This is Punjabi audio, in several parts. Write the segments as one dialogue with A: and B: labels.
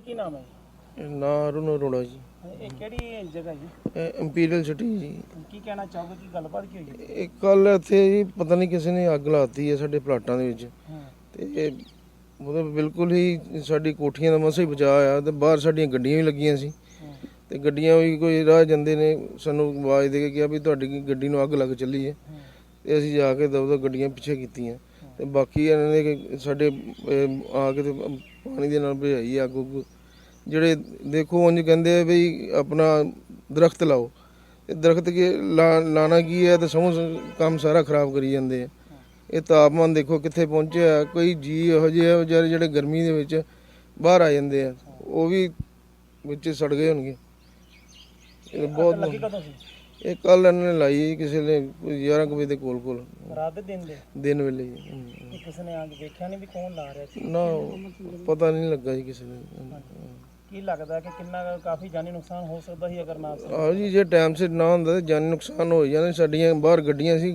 A: ਕੀ ਨਾਮ ਹੈ
B: ਨਾ ਅਰੁਣ ਅਰੋੜਾ ਜੀ।
A: ਇਹ ਕਿਹੜੀ ਜਗ੍ਹਾ ਜੀ?
B: ਇੰਪੀਰੀਅਲ ਸਿਟੀ ਜੀ।
A: ਕੀ ਕਹਿਣਾ ਚਾਹੋਗੇ, ਕੀ ਗੱਲਬਾਤ ਕੀ ਹੋਈ?
B: ਇਹ ਕੱਲ ਇੱਥੇ ਜੀ ਪਤਾ ਨਹੀਂ ਕਿਸੇ ਨੇ ਅੱਗ ਲਾਤੀ ਹੈ ਸਾਡੇ ਪਲਾਟਾਂ ਦੇ ਵਿੱਚ ਤੇ ਮਤਲਬ ਬਿਲਕੁਲ ਹੀ ਸਾਡੀ ਕੋਠੀਆਂ ਦਾ ਮਸਾਂ ਹੀ ਬਚਾਅ ਆ ਤੇ ਬਾਹਰ ਸਾਡੀਆਂ ਗੱਡੀਆਂ ਵੀ ਲੱਗੀਆਂ ਸੀ ਤੇ ਗੱਡੀਆਂ ਵੀ ਕੋਈ ਰਾਹ ਜਾਂਦੇ ਨੇ ਸਾਨੂੰ ਆਵਾਜ਼ ਦੇ ਕੇ ਕਿਹਾ ਵੀ ਤੁਹਾਡੀ ਗੱਡੀ ਨੂੰ ਅੱਗ ਲੱਗ ਚੱਲੀ ਹੈ ਤੇ ਅਸੀਂ ਜਾ ਕੇ ਦਬਦਬਾ ਗੱਡੀਆਂ ਪਿੱਛੇ ਕੀਤੀਆਂ ਤੇ ਬਾਕੀ ਇਹਨਾਂ ਨੇ ਸਾਡੇ ਆ ਕੇ ਤੇ ਪਾਣੀ ਦੇ ਨਾਲ ਭਜਾਈ ਅੱਗ ਉੱਗ। ਜਿਹੜੇ ਦੇਖੋ ਉਂਝ ਕਹਿੰਦੇ ਆ ਵੀ ਆਪਣਾ ਦਰਖਤ ਲਾਓ ਤੇ ਦਰਖਤ ਲਾਣਾ ਕੀ ਹੈ ਤੇ ਸਗੋਂ ਕੰਮ ਸਾਰਾ ਖਰਾਬ ਕਰੀ ਜਾਂਦੇ ਆ। ਇਹ ਤਾਪਮਾਨ ਦੇਖੋ ਕਿੱਥੇ ਪਹੁੰਚਿਆ। ਕੋਈ ਜੀ ਇਹੋ ਜਿਹੇ ਵਿਚਾਰੇ ਜਿਹੜੇ ਗਰਮੀ ਦੇ ਵਿੱਚ ਬਾਹਰ ਆ ਜਾਂਦੇ ਆ ਉਹ ਵੀ ਵਿੱਚ ਸੜ ਗਏ ਹੋਣਗੇ। ਇਹ ਬਹੁਤ ਇਹ ਕੱਲ ਇਹਨਾਂ ਨੇ ਲਾਈ ਕਿਸੇ ਨੇ 11 ਵਜੇ ਦੇ ਕੋਲ
A: ਰਾਤ ਦੇ
B: ਦਿਨ ਵੇਲੇ
A: ਕਿਸੇ ਨੇ ਆ ਕੇ ਵੇਖਿਆ ਨਹੀਂ ਵੀ ਕੌਣ ਲਾ ਰਿਹਾ ਸੀ?
B: ਨਾ ਪਤਾ ਨਹੀਂ ਲੱਗਾ ਜੀ ਕਿਸੇ ਨੂੰ।
A: ਕੀ ਲੱਗਦਾ ਕਿ ਕਿੰਨਾ ਕਾਫੀ ਜਾਨੀ ਨੁਕਸਾਨ ਹੋ ਸਕਦਾ ਸੀ ਅਗਰ ਨਾ?
B: ਹਾਂ ਜੀ, ਜੇ ਟਾਈਮ ਸਿਰ ਨਾ ਹੁੰਦਾ ਤਾਂ ਜਾਨੀ ਨੁਕਸਾਨ ਹੋ ਜਾਣਾ। ਸਾਡੀਆਂ ਬਾਹਰ ਗੱਡੀਆਂ ਸੀ,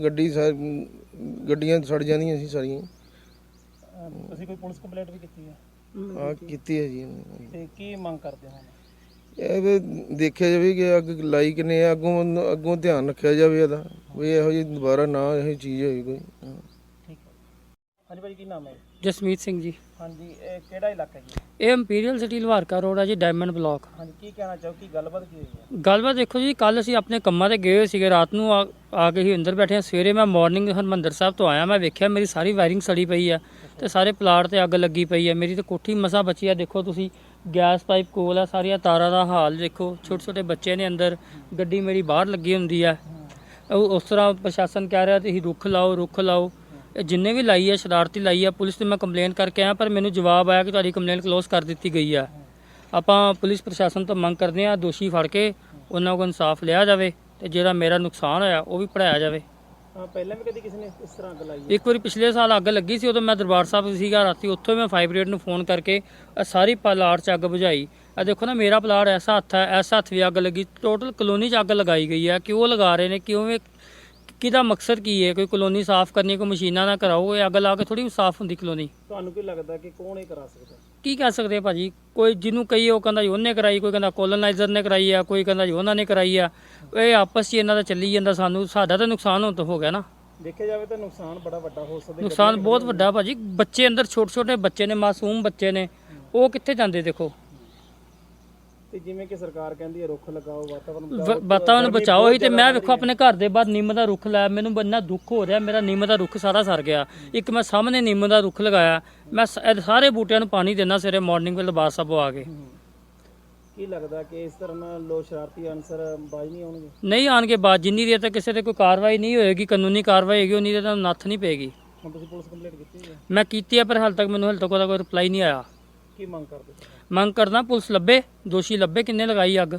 B: ਗੱਡੀਆਂ ਸੜ ਜਾਂਦੀਆਂ ਸੀ ਸਾਰੀਆਂ।
A: ਤੁਸੀਂ ਕੋਈ ਪੁਲਿਸ ਕੰਪਲੇਂਟ ਵੀ ਕੀਤੀ ਹੈ?
B: ਹਾਂ ਕੀਤੀ ਹੈ ਜੀ।
A: ਤੇ ਕੀ ਮੰਗ ਕਰਦੇ ਹੋ? ਇਹ
B: ਵੀ ਦੇਖਿਆ ਜਾਵੇ ਕਿ ਅੱਗ ਲਾਈ ਕਿਨੇ ਆ, ਅੱਗੋਂ ਧਿਆਨ ਰੱਖਿਆ ਜਾਵੇ ਇਹਦਾ ਵੀ ਇਹੋ ਜਿਹੀ ਦੁਬਾਰਾ ਨਾ ਇਹੋ ਚੀਜ਼ ਹੋਈ ਕੋਈ।
A: ਠੀਕ ਹੈ। ਹਾਂਜੀ ਭਾਈ, ਕੀ ਨਾਮ ਹੈ?
C: ਜਸਮੀਤ ਸਿੰਘ ਜੀ।
A: ਹਾਂਜੀ, ਇਹ ਕਿਹੜਾ ਇਲਾਕਾ ਜੀ?
C: ਇਹ ਇੰਪੀਰੀਅਲ ਸਿਟੀ ਲਵਾਰਕਾ ਰੋਡ ਹੈ ਜੀ, ਡਾਇਮੰਡ ਬਲਾਕ।
A: ਹਾਂਜੀ, ਕੀ ਕਹਿਣਾ ਚਾਹੋ, ਕੀ ਗੱਲਬਾਤ ਕੀ ਹੋਈ ਹੈ?
C: ਗੱਲਬਾਤ ਦੇਖੋ ਜੀ, ਕੱਲ ਅਸੀਂ ਆਪਣੇ ਕੰਮਾਂ ਤੇ ਗਏ ਹੋਏ ਸੀਗੇ, ਰਾਤ ਨੂੰ ਆ ਕੇ ਹੀ ਅੰਦਰ ਬੈਠੇ ਹਾਂ। ਸਵੇਰੇ ਮੈਂ ਮਾਰਨਿੰਗ ਹਰਿਮੰਦਰ ਸਾਹਿਬ ਤੋਂ ਆਇਆ, ਮੈਂ ਵੇਖਿਆ ਮੇਰੀ ਸਾਰੀ ਵਾਇਰਿੰਗ ਸੜੀ ਪਈ ਆ ਤੇ ਸਾਰੇ ਪਲਾਟ ਤੇ ਅੱਗ ਲੱਗੀ ਪਈ ਹੈ। ਮੇਰੀ ਤਾਂ ਕੋਠੀ ਮਸਾਂ ਬਚੀ ਆ। ਦੇਖੋ ਤੁਸੀਂ, ਗੈਸ ਪਾਈਪ ਕੋਲ ਆ, ਸਾਰੀਆਂ ਤਾਰਾਂ ਦਾ ਹਾਲ ਦੇਖੋ, ਛੋਟੇ ਛੋਟੇ ਬੱਚੇ ਨੇ ਅੰਦਰ, ਗੱਡੀ ਮੇਰੀ ਬਾਹਰ ਲੱਗੀ ਹੁੰਦੀ ਆ। ਉਸ ਤਰ੍ਹਾਂ ਪ੍ਰਸ਼ਾਸਨ ਕਹਿ ਰਿਹਾ ਤੁਸੀਂ ਰੁੱਖ ਲਾਓ। ਜਿੰਨੇ ਵੀ ਲਾਈ ਹੈ ਸ਼ਰਾਰਤੀ ਲਾਈ ਹੈ। ਪੁਲਿਸ ਤੇ ਮੈਂ ਕੰਪਲੇਂਟ ਕਰਕੇ ਆਇਆ ਪਰ ਮੈਨੂੰ ਜਵਾਬ ਆਇਆ ਕਿ ਤੁਹਾਡੀ ਕੰਪਲੇਂਟ ਕਲੋਜ਼ ਕਰ ਦਿੱਤੀ ਗਈ ਆ। ਆਪਾਂ ਪੁਲਿਸ ਪ੍ਰਸ਼ਾਸਨ ਤੋਂ ਮੰਗ ਕਰਦੇ ਹਾਂ ਦੋਸ਼ੀ ਫੜ ਕੇ ਉਹਨਾਂ ਕੋਲ ਇਨਸਾਫ ਲਿਆ ਜਾਵੇ ਤੇ ਜਿਹੜਾ ਮੇਰਾ ਨੁਕਸਾਨ ਹੋਇਆ ਉਹ ਵੀ ਭਰਾਇਆ ਜਾਵੇ।
A: ਪਹਿਲਾਂ ਵੀ ਕਦੀ ਕਿਸੇ ਨੇ ਇਸ ਤਰ੍ਹਾਂ ਅੱਗ ਲਾਈ?
C: ਇੱਕ ਵਾਰੀ ਪਿਛਲੇ ਸਾਲ ਅੱਗ ਲੱਗੀ ਸੀ, ਉਦੋਂ ਮੈਂ ਦਰਬਾਰ ਸਾਹਿਬ ਸੀਗਾ ਰਾਤੀ, ਉੱਥੋਂ ਮੈਂ ਫਾਇਰ ਬ੍ਰਿਗੇਡ ਨੂੰ ਫੋਨ ਕਰਕੇ ਸਾਰੀ ਪਲਾਟ 'ਚ ਅੱਗ ਬੁਝਾਈ। ਆ ਦੇਖੋ ਨਾ, ਮੇਰਾ ਪਲਾਟ ਐਸਾ ਹੱਥ ਹੈ, ਐਸਾ ਹੱਥ ਵੀ ਅੱਗ ਲੱਗੀ। ਟੋਟਲ ਕਲੋਨੀ 'ਚ ਅੱਗ ਲਗਾਈ ਗਈ ਹੈ। ਕਿਉਂ ਲਗਾ ਰਹੇ ਨੇ, ਕਿਉਂ, ਕਿਹਦਾ ਮਕਸਦ ਕੀ ਹੈ? ਕੋਈ ਕਲੋਨੀ ਸਾਫ਼ ਕਰਨੀ, ਕੋਈ ਮਸ਼ੀਨਾਂ ਨਾ ਕਰਾਓ। ਇਹ ਅੱਗ ਲਾ ਕੇ ਥੋੜੀ ਸਾਫ਼ ਹੁੰਦੀ ਕਲੋਨੀ।
A: ਤੁਹਾਨੂੰ ਕੀ ਲੱਗਦਾ ਕਿ ਕੌਣ ਇਹ ਕਰਾ ਸਕਦਾ?
C: ਕੀ ਕਹਿ ਸਕਦੇ ਭਾਜੀ, ਕੋਈ ਜਿਹਨੂੰ ਕਹੀਏ ਉਹ ਕਹਿੰਦਾ ਜੀ ਉਹਨੇ ਕਰਾਈ, ਕੋਈ ਕਹਿੰਦਾ ਕੋਲੋਨਾਈਜ਼ਰ ਨੇ ਕਰਾਈ ਆ, ਕੋਈ ਕਹਿੰਦਾ ਜੀ ਉਹਨਾਂ ਨੇ ਕਰਾਈ ਆ। ਇਹ ਆਪਸ 'ਚ ਇਹਨਾਂ ਦਾ ਚੱਲੀ ਜਾਂਦਾ। ਸਾਡਾ ਤਾਂ ਨੁਕਸਾਨ ਹੁਣ ਤਾਂ ਹੋ ਗਿਆ ਨਾ।
A: ਦੇਖਿਆ ਜਾਵੇ ਤਾਂ ਨੁਕਸਾਨ ਬੜਾ ਵੱਡਾ ਹੋ ਸਕਦਾ।
C: ਨੁਕਸਾਨ ਬਹੁਤ ਵੱਡਾ ਭਾਜੀ। ਬੱਚੇ ਅੰਦਰ, ਛੋਟੇ ਛੋਟੇ ਬੱਚੇ ਨੇ, ਮਾਸੂਮ ਬੱਚੇ ਨੇ, ਉਹ ਕਿੱਥੇ ਜਾਂਦੇ ਦੇਖੋ।
A: ਤੇ ਜਿਵੇਂ ਕਿ ਸਰਕਾਰ ਕਹਿੰਦੀ ਹੈ ਰੁੱਖ ਲਗਾਓ,
C: ਵਾਤਾਵਰਨ ਬਚਾਓ ਹੀ, ਤੇ ਮੈਂ ਵੇਖੋ ਆਪਣੇ ਘਰ ਦੇ ਬਾਹਰ ਨਿੰਮ ਦਾ ਰੁੱਖ ਲਾਇਆ। ਮੈਨੂੰ ਇੰਨਾ ਦੁੱਖ ਹੋ ਰਿਹਾ, ਮੇਰਾ ਨਿੰਮ ਦਾ ਰੁੱਖ ਸਾਰਾ ਸਰ ਗਿਆ। ਇੱਕ ਮੈਂ ਸਾਹਮਣੇ ਨਿੰਮ ਦਾ ਰੁੱਖ ਲਗਾਇਆ। ਮੈਂ ਸਾਰੇ ਬੂਟਿਆਂ ਨੂੰ ਪਾਣੀ ਦਿੰਦਾ ਸਵੇਰੇ ਮਾਰਨਿੰਗ ਵੇਲੇ ਦਰਬਾਰ ਸਾਹਿਬ ਆ ਕੇ।
A: ਕੀ ਲੱਗਦਾ ਕਿ ਇਸ ਤਰ੍ਹਾਂ ਨਾਲ ਲੋਕ ਸ਼ਰਾਰਤੀ ਅਨਸਰ ਬਾਜ਼ ਨਹੀਂ ਆਉਣਗੇ?
C: ਨਹੀਂ ਆਉਣਗੇ ਬਾਜ਼। ਜਿੰਨੀ ਦੇਰ ਤੱਕ ਕਿਸੇ ਤੇ ਕੋਈ ਕਾਰਵਾਈ ਨਹੀਂ ਹੋਏਗੀ, ਕਾਨੂੰਨੀ ਕਾਰਵਾਈ ਹੋਏਗੀ, ਉਨੀ ਦੇਰ ਤੱਕ ਨੱਥ ਨਹੀਂ ਪਏਗੀ।
A: ਹੁਣ ਤੁਸੀਂ ਪੁਲਿਸ ਕੰਪਲੇਂਟ ਕੀਤੀ ਹੈ?
C: ਮੈਂ ਕੀਤੀ ਹੈ ਪਰ ਹਾਲੇ ਤੱਕ ਮੈਨੂੰ ਉਹਦਾ ਕੋਈ ਰਿਪਲਾਈ ਨਹੀਂ ਆਇਆ।
A: ਕੀ ਮੰਗ ਕਰਦੇ?
C: ਮੰਗ ਕਰਦਾ ਪੁਲਿਸ ਲੱਭੇ, ਦੋਸ਼ੀ ਲੱਭੇ, ਕਿੰਨੇ ਲਗਾਈ ਅੱਗ।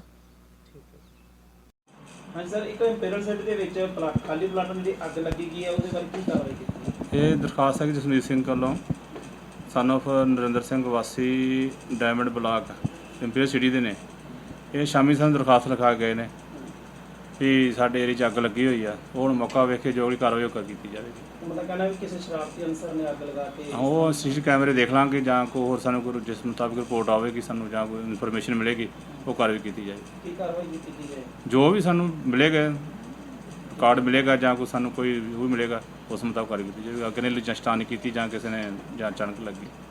A: ਹਾਂਜੀ ਸਰ, ਇੱਕ ਇੰਪੀਰੀਅਲ ਸਿਟੀ ਦੇ ਵਿੱਚ ਖਾਲੀ ਪਲਾਟਾਂ ਦੀ ਅੱਗ ਲੱਗੀ ਗਈ ਹੈ, ਉਹਦੇ ਬਾਰੇ ਕੀ ਕਾਰਵਾਈ ਕੀਤੀ?
D: ਇਹ ਦਰਖਾਸਤ ਹੈ ਜਸਮੀਤ ਸਿੰਘ ਵੱਲੋਂ, ਸਨ ਆਫ ਨਰਿੰਦਰ ਸਿੰਘ, ਵਾਸੀ ਡਾਇਮੰਡ ਬਲਾਕ, ਇੰਪੀਰੀਅਲ ਸਿਟੀ ਦੇ ਨੇ। ਇਹ ਸ਼ਾਮੀ ਸਾਨੂੰ ਦਰਖਾਸਤ ਲਿਖਾ ਗਏ ਨੇ ਵੀ ਸਾਡੇ ਏਰੀਆ 'ਚ ਅੱਗ ਲੱਗੀ ਹੋਈ ਆ। ਉਹ ਹੁਣ ਮੌਕਾ ਵੇਖ ਕੇ ਜੋ ਵੀ ਕਾਰਵਾਈ ਉਹ ਕੀਤੀ ਜਾਵੇਗੀ।
A: ਮਤਲਬ ਕਹਿੰਦਾ ਵੀ ਕਿਸੇ ਸ਼ਰਾਰਤੀ ਅਨਸਰ ਨੇ ਅੱਗ ਲਗਾ ਕੇ?
D: ਉਹ ਸੀਸੀ ਕੈਮਰੇ ਦੇਖ ਲਾਂਗੇ ਜਾਂ ਕੋਈ ਹੋਰ ਸਾਨੂੰ ਕੋਈ ਜਿਸ ਮੁਤਾਬਿਕ ਰਿਪੋਰਟ ਆਵੇਗੀ ਸਾਨੂੰ ਜਾਂ ਕੋਈ ਇਨਫੋਰਮੇਸ਼ਨ ਮਿਲੇਗੀ ਉਹ ਕਾਰਵਾਈ ਕੀਤੀ ਜਾਏਗੀ।
A: ਕੀ ਕਾਰਵਾਈ ਕੀਤੀ ਜਾਏ?
D: ਜੋ ਵੀ ਸਾਨੂੰ ਮਿਲੇਗਾ, ਕਾਰਡ ਮਿਲੇਗਾ ਜਾਂ ਕੋਈ ਸਾਨੂੰ ਕੋਈ ਉਹ ਮਿਲੇਗਾ, ਉਸ ਮੁਤਾਬਕ ਕਾਰਵਾਈ ਕੀਤੀ ਜਾਵੇਗੀ। ਅੱਗ ਨੇ ਲਿਜਾ ਸਟਾਨ ਕੀਤੀ ਜਾਂ ਕਿਸੇ ਨੇ ਜਾਂ ਅਚਾਨਕ ਲੱਗੀ।